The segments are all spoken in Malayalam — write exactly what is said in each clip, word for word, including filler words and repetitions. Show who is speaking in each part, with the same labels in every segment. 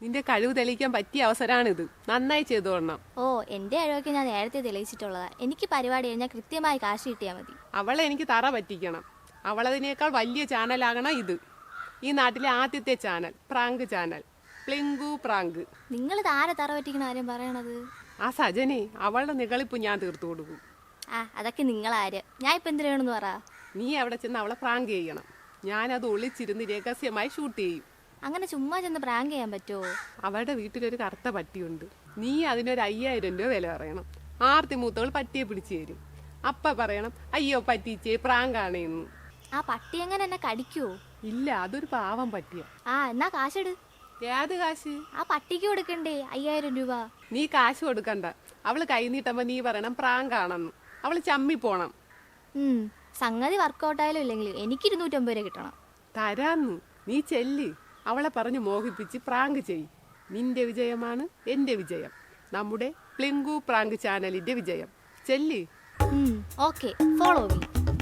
Speaker 1: നിന്റെ കഴിവ് തെളിയിക്കാൻ പറ്റിയ അവസരമാണിത്. നന്നായി ചെയ്തോളണം.
Speaker 2: ഓ, എന്റെ കഴിവൊക്കെ ഞാൻ നേരത്തെ തെളിയിച്ചിട്ടുള്ളതാ. എനിക്ക് പരിപാടി കഴിഞ്ഞാൽ കൃത്യമായി കാശ് കിട്ടിയാൽ മതി.
Speaker 1: അവളെ എനിക്ക് തറ പറ്റിക്കണം. അവളതിനേക്കാൾ വലിയ ചാനലാകണം ഇത്. ഈ നാട്ടിലെ ആദ്യത്തെ ചാനൽ, പ്രാങ്ക് ചാനൽ, പ്ലിങ്കു പ്രാങ്ക്.
Speaker 2: നിങ്ങൾ താരെ തറ പറ്റിക്കണ ആരും പറയണത്?
Speaker 1: ആ സജനെ, അവളുടെ നികളിപ്പ് ഞാൻ തീർത്തു കൊടുക്കും.
Speaker 2: ആ, അതൊക്കെ നിങ്ങളാര്. ഞാൻ ഇപ്പൊ എന്തിനു വേണമെന്ന് പറ.
Speaker 1: നീ അവിടെ ചെന്ന് അവളെ പ്രാങ്ക് ചെയ്യണം. ഞാനത് ഒളിച്ചിരുന്ന് രഹസ്യമായി ഷൂട്ട് ചെയ്യും.
Speaker 2: അങ്ങനെ ചുമ്മാ ചെന്ന് പ്രാങ്ക് ചെയ്യാൻ പറ്റുമോ?
Speaker 1: അവളുടെ വീട്ടിലൊരു കറുത്ത പട്ടിയുണ്ട്. നീ അതിനൊരു അയ്യായിരം രൂപ വില പറയണം. ആർത്തി മൂത്തവൾ പട്ടിയെ പിടിച്ചു തരും. അപ്പ പറയണം, അയ്യോ പറ്റിച്ചേ, പ്രാങ്കാണേന്ന്.
Speaker 2: ആ പട്ടി എങ്ങനെ എന്നെ കടിക്കുവോ?
Speaker 1: ഇല്ല, അതൊരു പാവം പട്ടിയ.
Speaker 2: ആ, എന്നാ കാശെടു.
Speaker 1: ഏത് കാശ്?
Speaker 2: ആ പട്ടിക്ക് കൊടുക്കണ്ടേ അയ്യായിരം രൂപ?
Speaker 1: നീ കാശ് കൊടുക്കണ്ട. അവള് കൈ നീട്ടുമ്പോ നീ പറയണം പ്രാങ്കാണെന്ന്. അവള് ചമ്മി പോണം.
Speaker 2: ഉം സംഗതി വർക്കൗട്ടായാലും ഇല്ലെങ്കിലും എനിക്ക് ഇരുന്നൂറ്റമ്പത് രൂപ കിട്ടണം.
Speaker 1: തരാന്ന്. നീ ചെല്ല്. അവളെ പറഞ്ഞു മോഹിപ്പിച്ച് പ്രാങ്ക് ചെയ്. നിന്റെ വിജയമാണ് എന്റെ വിജയം. നമ്മുടെ പ്ലിങ്കു പ്രാങ്ക് ചാനലിന്റെ വിജയം. ചെല്ല്.
Speaker 2: Okay, follow me.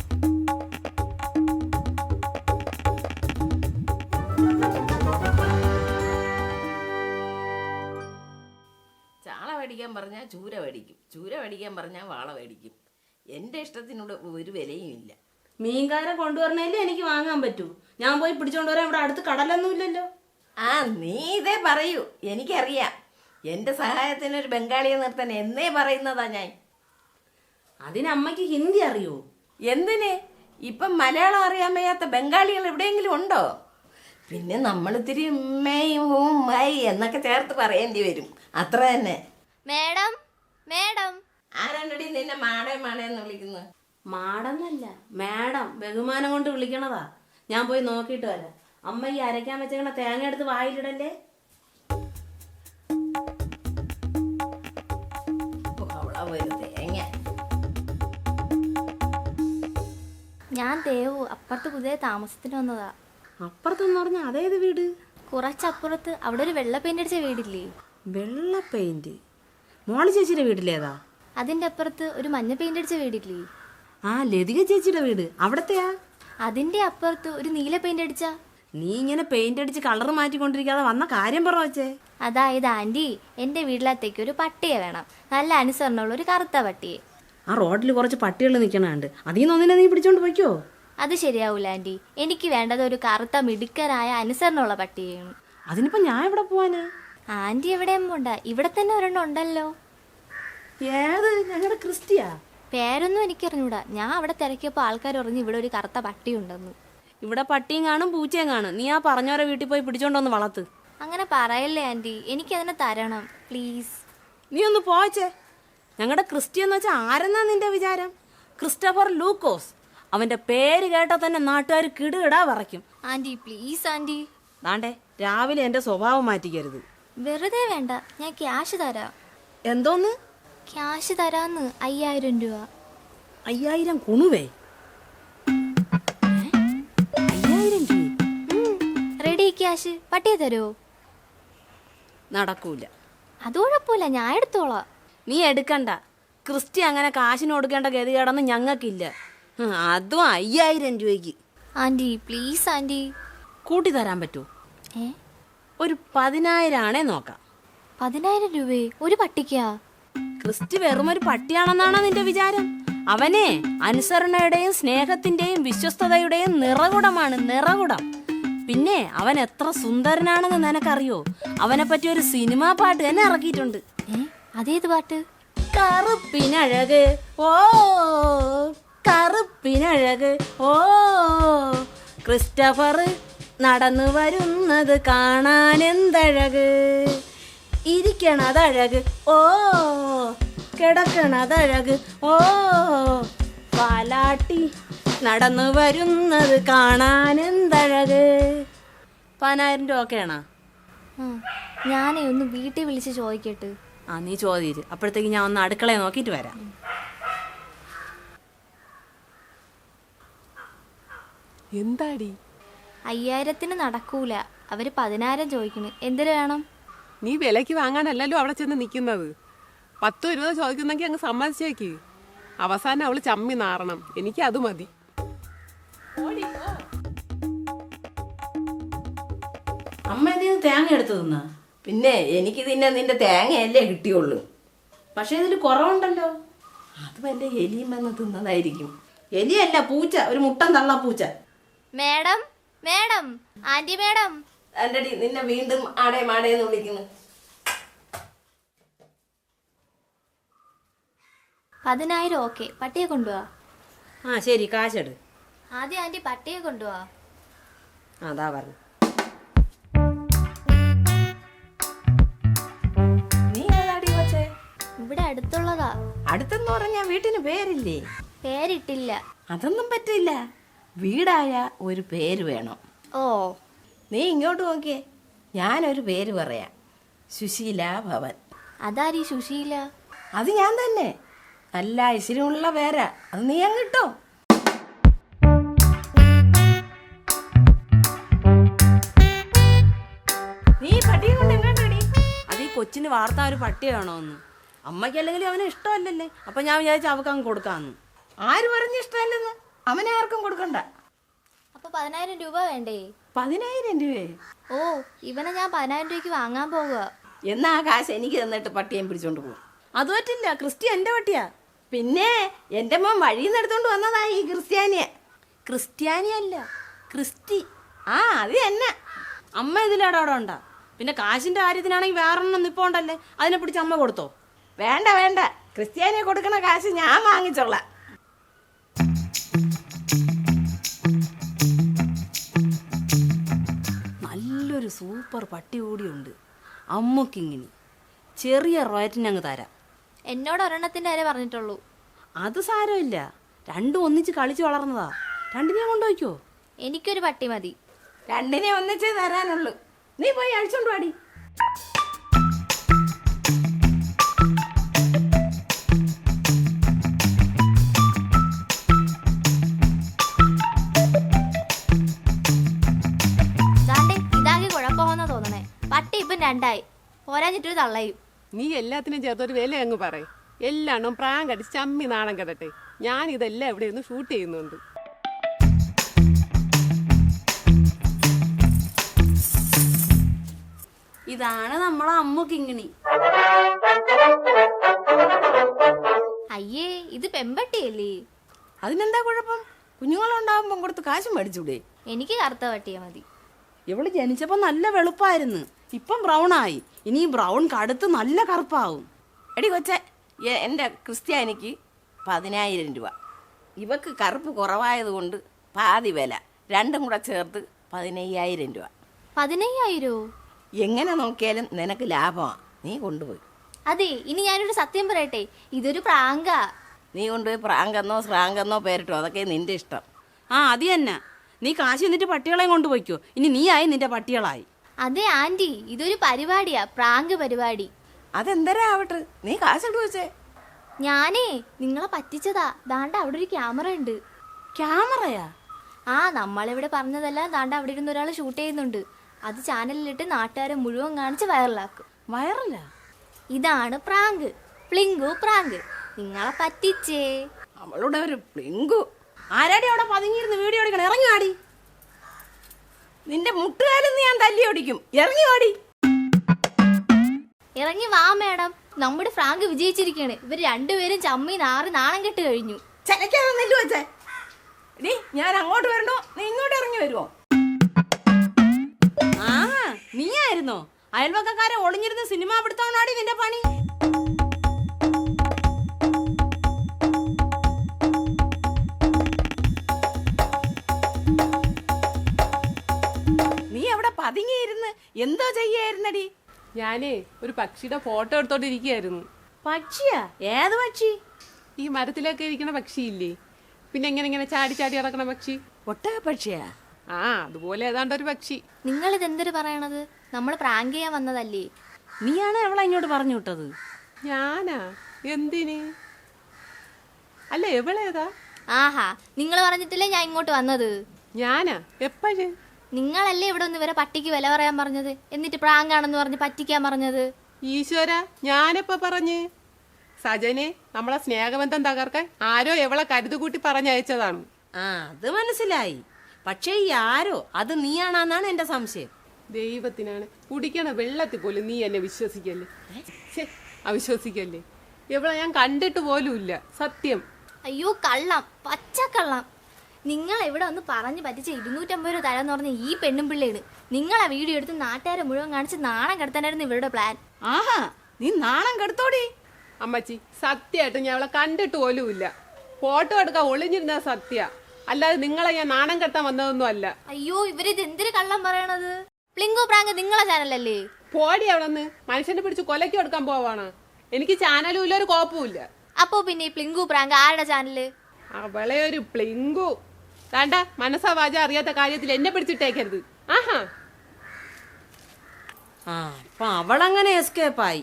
Speaker 3: ചാള മേടിക്കാൻ പറഞ്ഞാൽ ചൂര മേടിക്കും, ചൂര മേടിക്കാൻ പറഞ്ഞാൽ വാള മേടിക്കും. എൻ്റെ ഇഷ്ടത്തിനോട് ഒരു വിലയും ഇല്ല.
Speaker 4: മീൻകാരൻ കൊണ്ടുവരണേലേ എനിക്ക് വാങ്ങാൻ പറ്റൂ. ഞാൻ പോയി പിടിച്ചോണ്ട് വരാൻ ഇവിടെ അടുത്ത് കടലൊന്നും ഇല്ലല്ലോ.
Speaker 3: ആ, നീ ഇതേ പറയൂ, എനിക്കറിയാം. എൻ്റെ സഹായത്തിനൊരു ബംഗാളിയെ നിർത്താൻ എന്നേ പറയുന്നതാ ഞാൻ.
Speaker 4: അതിന് അമ്മയ്ക്ക് ഹിന്ദി അറിയോ?
Speaker 3: എന്തിന്? ഇപ്പം മലയാളം അറിയാൻ വയ്യാത്ത ബംഗാളികൾ എവിടെയെങ്കിലും ഉണ്ടോ? പിന്നെ നമ്മളിത്തിരി ഉമ്മയും ഹൂം മൈ എന്നൊക്കെ ചേർത്ത് പറയേണ്ടി വരും, അത്ര തന്നെ.
Speaker 2: Madam, madam.
Speaker 3: ആരാണ്ടടി നിന്നെ മാടേ മാടേന്ന് വിളിക്കുന്നത്?
Speaker 4: മാടെന്നല്ല, മാഡം. ബഹുമാനം കൊണ്ട് വിളിക്കണതാ. ഞാൻ പോയി നോക്കിയിട്ട് വരാം. അമ്മ ഈ അരയ്ക്കാൻ വെച്ചേക്കണ തേങ്ങ എടുത്ത് വായിലിടല്ലേ.
Speaker 3: അവളാ ഒരു തേങ്ങ.
Speaker 2: ഞാൻ ദേവു, അപ്പുറത്ത് പുതിയ താമസത്തിന് വന്നതാ.
Speaker 4: അപ്പുറത്തെന്ന് പറഞ്ഞ അതേത് വീട്?
Speaker 2: കുറച്ചപ്പുറത്ത് അവിടെ ഒരു വെള്ള പെയിന്റ് അടിച്ച വീടില്ലേ?
Speaker 4: വെള്ള പെയിന്റ്? മോളി ചേച്ചിയുടെ വീട്ടിലേതാ?
Speaker 2: അതിന്റെ അപ്പുറത്ത് ഒരു മഞ്ഞ പെയിന്റ് അടിച്ച വീടില്ലേ?
Speaker 4: ആ, ലതിക ചേച്ചിയുടെ വീട് അവിടത്തെയാ?
Speaker 2: അതിന്റെ അപ്പുറത്ത് ഒരു നീല പെയിന്റ് അടിച്ച.
Speaker 4: നീ ഇങ്ങനെ പെയിന്റ് അടിച്ച് കളർ മാറ്റിക്കൊണ്ടിരിക്കാതെ വന്ന കാര്യം പറ വെച്ചേ.
Speaker 2: അതായത് ആന്റി, എന്റെ വീട്ടിലത്തേക്ക് ഒരു പട്ടിയെ വേണം. നല്ല അനുസരണമുള്ള ഒരു കറുത്ത പട്ടിയെ.
Speaker 4: ആ റോഡിൽ കുറച്ച് പട്ടികൾ നിൽക്കണുണ്ട്. അതിൽ നിന്ന് ഒന്നിനെ നീ പിടിച്ചോണ്ട് പോയിക്കോ.
Speaker 2: അത് ശരിയാവൂല ആന്റി. എനിക്ക് വേണ്ടത് ഒരു കറുത്ത മിടുക്കരായ അനുസരണമുള്ള പട്ടിയെയാണ്.
Speaker 4: അതിനിപ്പോ ഞാൻ എവിടെ പോവാനാ?
Speaker 2: ആന്റി എവിടെയും പോണ്ട, ഇവിടെ തന്നെ ഒരെണ്ണം ഉണ്ടല്ലോ.
Speaker 4: ഏത്? ഞങ്ങളുടെ ക്രിസ്റ്റിയാ?
Speaker 2: പേരൊന്നും എനിക്കറിഞ്ഞൂടാ. ഞാൻ അവിടെ തിരക്കിയപ്പോൾ ആൾക്കാർ പറഞ്ഞു ഇവിടെ ഒരു കറുത്ത പട്ടി ഉണ്ടെന്ന്.
Speaker 4: ഇവിടെ പട്ടിയും കാണും പൂച്ചയും കാണും. നീ ആ പറഞ്ഞവരെ വീട്ടിൽ പോയി പിടിച്ചോണ്ടൊന്ന് വളർത്ത്.
Speaker 2: അങ്ങനെ പറയല്ലേ ആന്റി, എനിക്കതിനെ തരണം പ്ലീസ്.
Speaker 4: നീ ഒന്ന് പോച്ചേ. ഞങ്ങളുടെ ക്രിസ്റ്റി എന്ന് വെച്ചാൽ ആരെന്നാ നിന്റെ വിചാരം? ക്രിസ്റ്റഫർ ലൂക്കോസ്. അവന്റെ പേര് കേട്ടാൽ തന്നെ നാട്ടുകാർ കിടുകിടാ വിറയ്ക്കും.
Speaker 2: Aunty please aunty.
Speaker 4: ദാണ്ടേ, രാവിലെ എന്റെ സ്വഭാവം മാറ്റിക്കരുത്.
Speaker 2: വെറുതെ വേണ്ട, ഞാൻ ക്യാഷ് തരാം.
Speaker 4: എന്തോന്ന്?
Speaker 2: ക്യാഷ് തരാന്ന്. അയ്യായിരം രൂപ.
Speaker 4: അയ്യായിരം കുണുവേ? അയ്യായിരം രൂപ?
Speaker 2: Ready cash. പട്ടിയെ തരുമോ?
Speaker 4: നടക്കൂല.
Speaker 2: അത് കുഴപ്പമില്ല, ഞാൻ എടുത്തോളാം.
Speaker 4: നീ എടുക്കണ്ട. ക്രിസ്റ്റി അങ്ങനെ കാശിന് കൊടുക്കേണ്ട ഗതികേടൊന്നും ഞങ്ങൾക്കില്ല. അതും അയ്യായിരം രൂപയ്ക്ക്.
Speaker 2: Aunty please aunty.
Speaker 4: കൂട്ടി തരാൻ പറ്റുമോ?
Speaker 2: ഏ,
Speaker 4: ഒരു പതിനായിരം ആണേ നോക്കാം.
Speaker 2: പതിനായിരം രൂപയെ ഒരു പട്ടിക്കാ?
Speaker 4: ക്രിസ്റ്റി വെറും ഒരു പട്ടിയാണെന്നാണോ നിന്റെ വിചാരം? അവനെ അനുസരണയുടെയും സ്നേഹത്തിന്റെയും വിശ്വസ്തതയുടെയും നിറകുടമാണ്, നിറകുടം. പിന്നെ അവൻ എത്ര സുന്ദരനാണെന്ന് നിനക്കറിയോ? അവനെ പറ്റി ഒരു സിനിമാ പാട്ട് തന്നെ ഇറക്കിയിട്ടുണ്ട്.
Speaker 2: ഏ, അതേത് പാട്ട്?
Speaker 4: കറുപ്പിനഴക് ഓ കറുപ്പിനഴക് ഓ ക്രിസ്റ്റഫർ നടന്നു വരുന്നത് കാണാൻ എന്തഴക്, ഇരിക്കണതഴക് ഓ കിടക്കണതഴക് ഓ പാലാട്ടി നടന്നു വരുന്നത് കാണാൻ എന്തഴക്. പതിനായിരം രൂപ ഒക്കെയാണോ?
Speaker 2: ഞാനേ ഒന്ന് വീട്ടിൽ വിളിച്ച് ചോദിക്കട്ടെ.
Speaker 4: ആ, നീ ചോദിച്ചു. അപ്പോഴത്തേക്ക് ഞാൻ ഒന്ന് അടുക്കളയെ നോക്കിയിട്ട് വരാം.
Speaker 1: എന്താടി?
Speaker 2: അയ്യായിരത്തിന് നടക്കൂല. അവര് പതിനായിരം ചോദിക്കണ്. എന്തിനു വേണം?
Speaker 1: നീ വിലക്ക് വാങ്ങാനല്ലല്ലോ അവിടെ ചെന്ന് നിൽക്കുന്നത്. പത്തോ ഇരുപതോ ചോദിക്കുന്നെങ്കിൽ അങ്ങ് സമ്മതിച്ചേക്ക്. അവസാനം അവള് ചമ്മി നാറണം. എനിക്ക് അത് മതി.
Speaker 4: അമ്മ എന്തിനു തേങ്ങ എടുത്തു തിന്നാ?
Speaker 3: പിന്നെ എനിക്ക് തിന്നെ നിന്റെ തേങ്ങയല്ലേ കിട്ടിയുള്ളൂ.
Speaker 4: പക്ഷെ ഇതിൽ കുറവുണ്ടല്ലോ.
Speaker 3: അത് വല്ല എലിയും വന്ന് തിന്നതായിരിക്കും.
Speaker 4: എലിയല്ല, പൂച്ച, ഒരു മുട്ടൻ തള്ള പൂച്ച.
Speaker 2: Madam madam aunty madam.
Speaker 3: എൻ്റെ നിന്നെ വീണ്ടും ആടേ മാടേന്ന് വിളിക്കുന്നു.
Speaker 2: പതിനായിരം ഓക്കെ, പട്ടിയെ കൊണ്ടുപോവാ.
Speaker 4: ആ ശരി, കാശെടു.
Speaker 2: ആദ്യം ആന്റി പട്ടിയെ കൊണ്ടുപോവാ.
Speaker 4: അതാ പറഞ്ഞു.
Speaker 3: നീ ഏതാടി കൊച്ചേ?
Speaker 2: ഇവിടെ അടുത്തുള്ളതാ.
Speaker 3: അടുത്തെന്ന് പറഞ്ഞാ വീട്ടിന് പേരില്ലേ?
Speaker 2: പേരിട്ടില്ല.
Speaker 3: അതൊന്നും പറ്റില്ല. വീടായ ഒരു പേര് വേണം.
Speaker 2: ഓ,
Speaker 3: നീ ഇങ്ങോട്ട് നോക്കിയേ, ഞാനൊരു പേര് പറയാം. സുശീല ഭവൻ.
Speaker 2: അതാരീ സുശീല?
Speaker 3: അത് ഞാൻ തന്നെ. നല്ല ഐശ്വര്യമുള്ള പേരാ. അത് നീ അങ്ങിട്ടോ. നീ പട്ടിയെ കൊണ്ട് എങ്ങോട്ടടി?
Speaker 4: അത് ഈ കൊച്ചിന് വാർത്ത ഒരു പട്ടി വേണോന്ന്. അമ്മയ്ക്ക് അല്ലെങ്കിൽ അവന് ഇഷ്ടമല്ലല്ലേ, അപ്പൊ ഞാൻ വിചാരിച്ചു അവക്ക് അങ്ങ് കൊടുക്കാന്ന്.
Speaker 3: ആര് പറഞ്ഞ ഇഷ്ടമല്ലെന്ന്? അവനെ ആർക്കും കൊടുക്കണ്ട.
Speaker 2: അപ്പൊ പതിനായിരം രൂപ വേണ്ടേ?
Speaker 3: പതിനായിരം രൂപയെ?
Speaker 2: ഓ, ഇവനെ ഞാൻ പതിനായിരം രൂപയ്ക്ക് വാങ്ങാൻ പോകുക.
Speaker 3: എന്നാ ആ കാശ് എനിക്ക് തന്നിട്ട് പട്ടിയെ പിടിച്ചോണ്ട് പോകും.
Speaker 4: അത് പറ്റില്ല, ക്രിസ്റ്റി എന്റെ പട്ടിയാ.
Speaker 3: പിന്നെ എന്റെ മോൻ വഴിയിൽ നിന്ന് എടുത്തോണ്ട് വന്നതാ ഈ ക്രിസ്ത്യാനിയെ.
Speaker 4: ക്രിസ്ത്യാനിയല്ല, ക്രിസ്റ്റി.
Speaker 3: ആ അത് തന്നെ.
Speaker 4: അമ്മ ഇതിലടവിടെ ഉണ്ടാ. പിന്നെ കാശിന്റെ കാര്യത്തിനാണെങ്കിൽ വേറൊന്നും നിപ്പോണ്ടല്ലേ, അതിനെ പിടിച്ച് അമ്മ കൊടുത്തോ?
Speaker 3: വേണ്ട വേണ്ട, ക്രിസ്ത്യാനിയെ കൊടുക്കണ കാശ് ഞാൻ വാങ്ങിച്ചോളാം.
Speaker 4: നല്ലൊരു സൂപ്പർ പട്ടി കൂടിയുണ്ട് അമ്മക്കിങ്ങിനി. ചെറിയ റേറ്റിനങ്ങ് തരാം.
Speaker 2: എന്നോട് ഒരെണ്ണത്തിന്റെ കാര്യം പറഞ്ഞിട്ടുള്ളൂ.
Speaker 4: അത് സാരമില്ല, രണ്ടും ഒന്നിച്ച് കളിച്ച് വളർന്നതാ. രണ്ടിനെയും കൊണ്ടുപോയിക്കോ.
Speaker 2: എനിക്കൊരു പട്ടി മതി.
Speaker 3: രണ്ടിനെ ഒന്നിച്ചേ തരാനുള്ളൂ. നീ പോയി അഴിച്ചോണ്ട് പാടി.
Speaker 2: ദാണ്ടെ ഇതാകെ കുഴപ്പമെന്നാ തോന്നണേ. പട്ടി ഇപ്പം രണ്ടായി, പോരാഞ്ഞിട്ടൊരു തള്ളയും.
Speaker 1: നീ എല്ലാത്തിനും ചേർത്തൊരു വില അങ്ങ് പറയും. എല്ലാം പ്രാങ്ക് അടിച്ച് ചമ്മി നാണം കെടട്ടെ. ഞാൻ ഇതെല്ലാം ഇവിടെ ഇരുന്ന് ഷൂട്ട് ചെയ്യുന്നുണ്ട്.
Speaker 4: ഇതാണ് നമ്മളെ അമ്മക്കിങ്ങിണി.
Speaker 2: അയ്യേ, ഇത് പെമ്പട്ടിയല്ലേ?
Speaker 3: അതിനെന്താ കുഴപ്പം? കുഞ്ഞുങ്ങളുണ്ടാവുമ്പം കൊടുത്ത് കാശും മേടിച്ചൂടെ?
Speaker 2: എനിക്ക് കറുത്ത പട്ടിയെ മതി.
Speaker 4: ഇവള് ജനിച്ചപ്പോ നല്ല വെളുപ്പായിരുന്നു, ഇപ്പം ബ്രൗൺ ആയി. ഇനി ഈ ബ്രൗൺ കടുത്ത് നല്ല കറുപ്പാവും.
Speaker 3: എടി കൊച്ചെ, എ- എൻ്റെ ക്രിസ്ത്യാനിക്ക് പതിനായിരം രൂപ. ഇവക്ക് കറുപ്പ് കുറവായതുകൊണ്ട് പാതി വില, രണ്ടും കൂടെ ചേർത്ത് പതിനയ്യായിരം രൂപ.
Speaker 2: പതിനയ്യായിരോ?
Speaker 3: എങ്ങനെ നോക്കിയാലും നിനക്ക് ലാഭമാണ്. നീ കൊണ്ടുപോയി.
Speaker 2: അതെ, ഇനി ഞാനൊരു സത്യം പറയട്ടെ, ഇതൊരു പ്രാങ്കാ.
Speaker 3: നീ കൊണ്ടുപോയി പ്രാങ്കെന്നോ ശ്രാങ്കെന്നോ പേരിട്ടോ, അതൊക്കെ നിന്റെ ഇഷ്ടം.
Speaker 4: ആ അത് തന്നെ. നീ കാശ് എന്നിട്ട് പട്ടികളെയും കൊണ്ടുപോയിക്കോ. ഇനി നീ ആയി, നിന്റെ പട്ടികളായി.
Speaker 2: അതെ ആന്റി, ഇതൊരു പരിപാടിയാ, പ്രാങ്ക് പരിപാടി.
Speaker 3: അതെന്തരാ ആവട്ടെ, നീ കാശെടു വെച്ചേ.
Speaker 2: ഞാനേ നിങ്ങളെ പറ്റിച്ചതാ. ദാണ്ട അവിടെ ഒരു ക്യാമറ ഉണ്ട്.
Speaker 4: ക്യാമറയാ?
Speaker 2: ആ, നമ്മളിവിടെ പറഞ്ഞതെല്ലാം ദാണ്ട അവിടെ ഇരുന്ന് ഒരാൾ ഷൂട്ട് ചെയ്യുന്നുണ്ട്. അത് ചാനലിലിട്ട് നാട്ടുകാരെ മുഴുവൻ കാണിച്ച് വൈറലാക്കും.
Speaker 4: വയറല്ല,
Speaker 2: ഇതാണ് പ്രാങ്ക്, പ്ലിങ്കു പ്രാങ്ക്. നിങ്ങളെ പറ്റിച്ചേ.
Speaker 3: അവളുടെ ഒരു പ്ലിങ്കു.
Speaker 4: ആരാടി അവിടെ പതുങ്ങിയിരുന്ന് വീഡിയോ എടുക്കണം? ഇറങ്ങി ആടി.
Speaker 3: നിന്റെ മുട്ടുകാലെന്ന് ഞാൻ തല്ലി ഓടിക്കും. ഇറങ്ങി ഓടി.
Speaker 2: ഇറങ്ങി വാ മേഡം, നമ്മുടെ ഫ്രാങ്ക് വിജയിച്ചിരിക്കുകയാണ്. ഇവർ രണ്ടുപേരും ചമ്മി നാറി നാണം കെട്ട് കഴിഞ്ഞു.
Speaker 3: ചനക്കാതെ നെല്ലു വെച്ചേ. എടി, ഞാൻ അങ്ങോട്ട് വരണോ നീ ഇങ്ങോട്ട് ഇറങ്ങി വരുമോ?
Speaker 4: ആ നീ ആയിരുന്നോ? അയൽവക്കക്കാരെ ഒളിഞ്ഞിരുന്ന് സിനിമ പിടുത്തവണാടി നിന്റെ പണി.
Speaker 3: നീ അവിടെ പതുങ്ങിയിരുന്ന് എന്തോ ചെയ്യായിരുന്നടി?
Speaker 1: ഞാനേ ഒരു പക്ഷിയുടെ ഫോട്ടോ എടുത്തോണ്ടിരിക്കുകയായിരുന്നു.
Speaker 4: പക്ഷിയാ? ഏത് പക്ഷി?
Speaker 1: ഈ മരത്തിലൊക്കെ ഇരിക്കണ പക്ഷിയില്ലേ, പിന്നെ എങ്ങനെ ഇങ്ങനെ ചാടി ചാടി ഇറക്കണ പക്ഷി.
Speaker 3: ഒട്ടക പക്ഷിയാ?
Speaker 1: ആ, അതുപോലെ ഏതാണ്ട് ഒരു പക്ഷി.
Speaker 2: നിങ്ങൾ ഇതെന്തൊരു പറയണത്? നമ്മൾ പ്രാങ്ക് ചെയ്യാൻ വന്നതല്ലേ.
Speaker 4: നീയാണ് അവളെ ഇങ്ങോട്ട് പറഞ്ഞു വിട്ടത്?
Speaker 1: ഞാനാ? എന്തിന്? അല്ല, എവളേതാ?
Speaker 2: ആഹാ, നിങ്ങൾ പറഞ്ഞിട്ടില്ലേ ഞാൻ ഇങ്ങോട്ട് വന്നത്?
Speaker 1: ഞാനാ? എപ്പോഴ്?
Speaker 2: നിങ്ങളല്ലേ ഇവിടെ ഒന്ന് ഇവരെ പട്ടിക്ക് വില പറയാൻ പറഞ്ഞത്, എന്നിട്ട് പ്രാങ്കാണെന്ന് പറഞ്ഞ് പറ്റിക്കാൻ പറഞ്ഞത്.
Speaker 1: ഈശ്വര, ഞാനെപ്പോ പറഞ്ഞ്? സജനെ, നമ്മളെ സ്നേഹബന്ധം തകർക്കാൻ ആരോ എവളെ കരുതുകൂട്ടി പറഞ്ഞയച്ചതാണ്.
Speaker 4: ആ അത് മനസ്സിലായി. പക്ഷേ ഈ ആരോ അത് നീയാണെന്നാണ് എന്റെ സംശയം.
Speaker 1: ദൈവത്തിനാണ് കുടിക്കണ വെള്ളത്തിൽ പോലും നീ എന്നെ വിശ്വസിക്കല്ലേ? ഛെ, അവിശ്വസിക്കല്ലേ? എവിടെ ഞാൻ കണ്ടിട്ട് പോലുമില്ല, സത്യം.
Speaker 2: അയ്യോ കള്ളം, പച്ചക്കള്ളം. നിങ്ങൾ ഇവിടെ ഒന്ന് പറഞ്ഞു പറ്റിച്ച ഇരുന്നൂറ്റമ്പത് രൂപ തരാന്ന് പറഞ്ഞ ഈ പെണ്ണും പിള്ളേണ് നിങ്ങളെ വീഡിയോ എടുത്ത് നാട്ടുകാരെ മുഴുവൻ കാണിച്ച് നാണം കെടുത്താനായിരുന്നു ഇവരുടെ പ്ലാൻ.
Speaker 4: ആഹാ, നീ നാണം കെടുത്തോടി.
Speaker 1: അമ്മച്ചി സത്യമായിട്ട് ഞാൻ അവളെ കണ്ടിട്ട് പോലുമില്ല. ഫോട്ടോ എടുക്കാൻ ഒളിഞ്ഞിരുന്ന സത്യ, അല്ലാതെ നിങ്ങളെ ഞാൻ നാണം കെട്ടാൻ വന്നതൊന്നും അല്ല.
Speaker 2: അയ്യോ ഇവരിത് എന്തിനു കള്ളം പറയണത്? പ്ലിങ്കു പ്രാങ്ക് നിങ്ങളെ ചാനലല്ലേ?
Speaker 1: പോടി അവിടെ നിന്ന് മനുഷ്യനെ പിടിച്ച് കൊലയ്ക്ക് എടുക്കാൻ പോവാണ്. എനിക്ക് ചാനലും ഇല്ല, ഒരു കോപ്പുമില്ല.
Speaker 2: അപ്പോ പിന്നെ ഈ പ്ലിങ്കു പ്രാങ്ക് ആരുടെ ചാനല്?
Speaker 1: അവളെ ഒരു പ്ലിങ്കു താണ്ട മനസ്സാ വാച അറിയാത്ത കാര്യത്തിൽ എന്നെ പിടിച്ചിട്ടേക്കരുത്. ആഹാ,
Speaker 4: ആ അപ്പൊ അവളങ്ങനെ എസ്കേപ്പായി.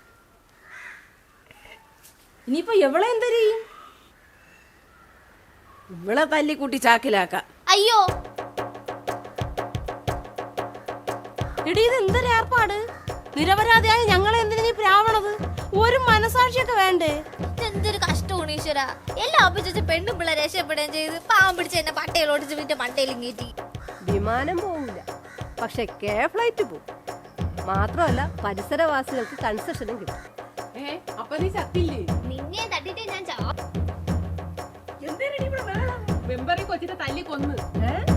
Speaker 4: ഇനിയിപ്പൊ എവളെ എന്തരിയും?
Speaker 3: ഇവളെ തല്ലിക്കൂട്ടി ചാക്കിലാക്കാം.
Speaker 2: അയ്യോ
Speaker 4: എടീ, ഇത് എന്തൊരു ഏർപ്പാട്? നിരപരാധിയായ ഞങ്ങളെ എന്തിനു നീ പ്രാവണത്? ഒരു മനസാക്ഷിയൊക്കെ വേണ്ടേ?
Speaker 2: എന്തൊരു കഷ്ടമാണ് ഈശ്വര. എല്ലാം ഒപ്പിച്ചു പെണ്ണും പിള്ളേരെ രക്ഷപ്പെടുകയും ചെയ്ത് പാവം പിടിച്ച് എന്നെ പട്ടയിലോട്ടിച്ച് വീട്ടിൽ മട്ടയിലും കയറ്റി.
Speaker 5: വിമാനം പോവില്ല, പക്ഷെ കെ ഫ്ലൈറ്റ് പോവും. മാത്രമല്ല പരിസരവാസികൾക്ക് കൺസെഷനും കിട്ടും.
Speaker 1: ഏ അപ്പൊ നീ ചത്തില്ലേ?
Speaker 2: നിന്നെ തട്ടിട്ട് ഞാൻ ചാ
Speaker 1: മെമ്പറി കൊച്ചിനെ തല്ലി കൊന്ന്.
Speaker 5: ഏ